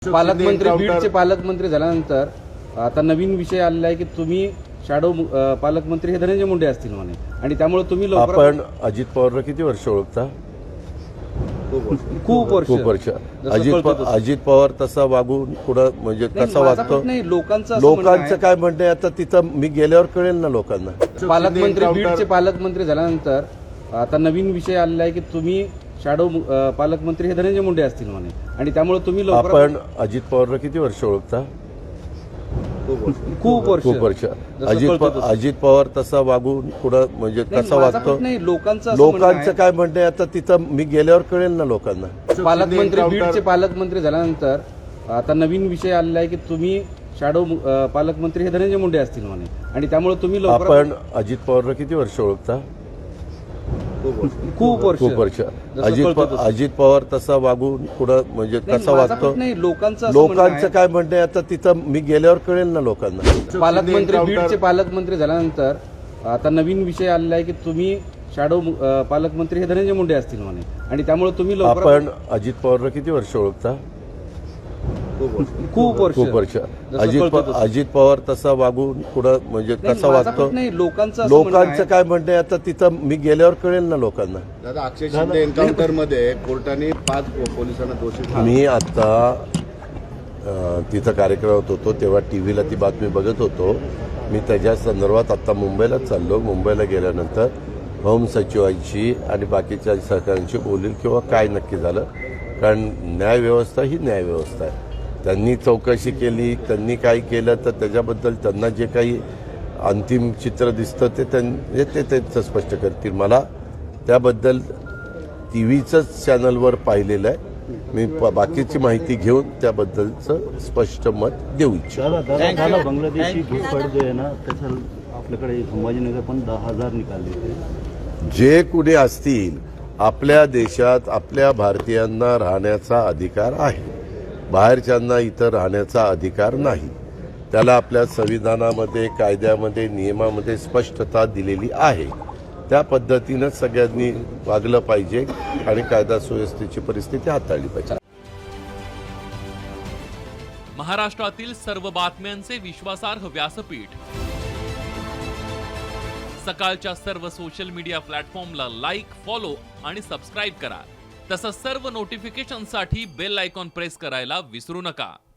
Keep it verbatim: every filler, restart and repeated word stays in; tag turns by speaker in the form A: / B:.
A: पालकमंत्री बीडचे पालकमंत्री झाल्यानंतर आता नवीन विषय आलेला आहे की तुम्ही शॅडो पालकमंत्री हे धनंजय मुंडे असतील म्हणे आणि त्यामुळे तुम्ही
B: आपण अजित पवारला किती वर्ष ओळखता?
A: खूप वर्ष
B: खूप वर्ष अजित अजित पवार तसा वागून पुढं म्हणजे कसा वागतो
A: नाही लोकांचं
B: लोकांचं काय म्हणणं आहे आता तिथं मी गेल्यावर कळेल ना लोकांना.
A: पालकमंत्री बीडचे पालकमंत्री झाल्यानंतर आता नवीन विषय आलेला आहे की तुम्ही शॅडो पालकमंत्री हे धनंजय मुंडे असतील म्हणे आणि त्यामुळे तुम्ही
B: आपण अजित पवारला किती वर्ष ओळखता?
A: खूप वर्ष
B: खूप वर्ष अजित अजित पवार तसा वागून पुढं म्हणजे कसा वागतो
A: नाही लोकांचं
B: लोकांचं काय म्हणणं आहे आता तिथं मी गेल्यावर कळेल ना लोकांना.
A: पालकमंत्री बीडचे पालकमंत्री झाल्यानंतर आता नवीन विषय आलेला आहे की तुम्ही शॅडो पालकमंत्री हे धनंजय मुंडे असतील म्हणे आणि त्यामुळे तुम्ही
B: आपण अजित पवारला किती वर्ष ओळखता?
A: खूप वर्ष
B: खूप वर्ष अजित अजित पवार तसा वागून पुढं म्हणजे कसा वागतो
A: नाही लोकांचं
B: लोकांचं काय म्हणणं आहे आता तिथं मी गेल्यावर कळेल ना लोकांना.
A: पालकमंत्री बीडचे पालकमंत्री झाल्यानंतर आता नवीन विषय आलेला आहे की तुम्ही शॅडो पालकमंत्री हे धनंजय मुंडे असतील म्हणे आणि त्यामुळे तुम्ही
B: आपण अजित पवारला किती वर्ष ओळखता?
A: खूप वर्ष
B: खूप वर्ष अजित अजित पवार तसा वागून पुढं म्हणजे कसा वागतो
A: नाही लोकांचं
B: लोकांचं काय म्हणणं आहे आता तिथं मी गेल्यावर कळेल ना लोकांना.
C: दादा अक्षय शिंदे एन्काउंटर मध्ये कोर्टाने पाच पोलिसांना दोषी.
B: मी आता तिथं कार्यक्रमात होतो तेव्हा टीव्हीला ती बातमी बघत होतो. मी त्याच्या संदर्भात आता मुंबईलाच चाललो. मुंबईला गेल्यानंतर होम सचिवांशी आणि बाकीच्या सहकाऱ्यांशी बोलील किंवा काय नक्की झालं, कारण न्यायव्यवस्था ही न्यायव्यवस्था आहे. त्यांनी चौकशी केली, त्यांनी काय केलं तर त्याच्याबद्दल त्यांना जे काही अंतिम चित्र दिसतं ते त्यांनी ते त्यांचं स्पष्ट करतील. मला त्याबद्दल टी व्हीचंच चॅनलवर पाहिलेलं आहे. मी बाकीची माहिती घेऊन त्याबद्दलचं स्पष्ट मत देऊ इच्छितो.
D: बांगलादेशी घुसखोर जो आहे ना त्याचं आपल्याकडे संभाजीनगर पण दहा हजार निकाले.
B: जे कुणी असतील आपल्या देशात आपल्या भारतीयांना राहण्याचा अधिकार आहे. बाहेरच्यांना इथं राहण्याचा अधिकार नाही. त्याला आपल्या संविधानामध्ये कायद्यामध्ये नियमामध्ये स्पष्टता दिलेली आहे. त्या पद्धतीनं सगळ्यांनी वागलं पाहिजे आणि कायदा सुव्यवस्थेची परिस्थिती हाताळली पाहिजे.
E: महाराष्ट्रातील सर्व बातम्यांचे विश्वासार्ह व्यासपीठ सकाळच्या सर्व सोशल मीडिया प्लॅटफॉर्मला लाईक, फॉलो आणि सबस्क्राईब करा. तसंच सर्व नोटिफिकेशनसाठी बेल आयकॉन प्रेस करायला विसरू नका.